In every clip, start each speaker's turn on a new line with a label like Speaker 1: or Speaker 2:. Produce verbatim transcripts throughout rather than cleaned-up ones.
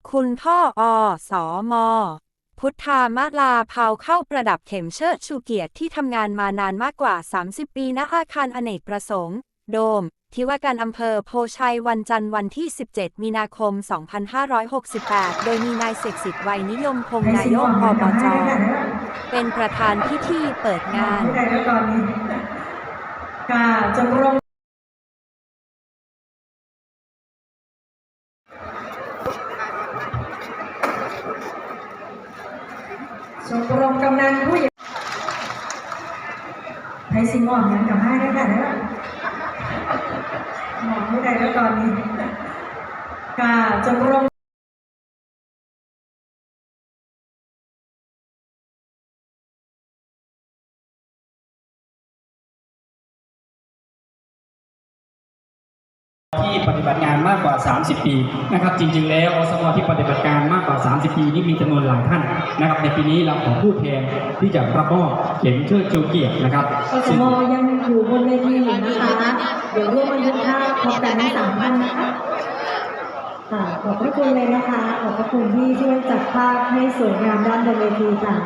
Speaker 1: คุณพ่ออสมพุทธามาลาเผาเข้าประดับเข็มเชิดชูเกียรติที่ทำงานมานานมากกว่า สามสิบ ปีณอาคารอเนกประสงค์ โดม ที่ว่าการอำเภอโพชัยวันจันทร์วันที่ สิบเจ็ด มีนาคม สองพันห้าร้อยหกสิบแปด โดยมีนายเสกสิทธิ์ไวยนิยมพงษ์นายกอบจ.เป็นประธานพิธีเปิดงาน
Speaker 2: ค่ะจงรงชมรมกำนันผู้ใหญ่ไทยสิงห์อ่อนยังกับให้ได้ค่ะเนี่ยหมอผู้ใดแล้วตอนนี้ค่ะชมรม
Speaker 3: ที่ปฏิบัติงานมากกว่า สามสิบ ปีนะครับจริงๆแล้วอสมที่ปฏิบัติการมากกว่า สามสิบ ปีนี่มีจำนวนหลายท่านนะครับในปีนี้เราขอผู้แทนที่จะรับมอบเข็มเชิดชูเกียรตินะครับ
Speaker 2: อสมยังอยู่บนเวทีอยู่นะคะเดี๋ยวร่วมบันทึกภาพพร้อมกันทั้งสามท่านนะคะค่ะขอบพระคุณเลยนะคะขอบพระคุณที่ช่วยจัดภาพให้สวยงามด้านบนเวทีค่ะ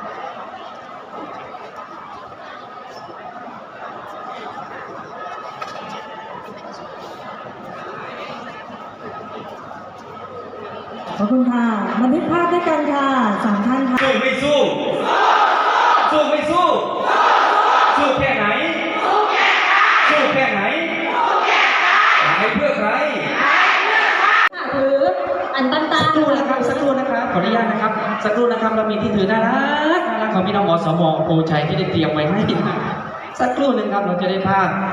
Speaker 2: ขอบคุณค่ะบันทึกภาพด้วยกันค่ะสามท่านค่ะ
Speaker 4: สู้ไม่สู้สู้ไม่สู้สู้แค่ไหนสู้แค่ไหนตายเพื่อใคร
Speaker 2: หรืออันตันตา
Speaker 3: สักครู่นะครับสักครู่นะครับขออนุญาตนะครับสักครู่นะครับเรามีที่ถือน่ารักน่ารักของพี่น้องอสมโพชัยที่ได้เตรียมไว้ให้สักครู่หนึ่งครับเราจะได้ภาพ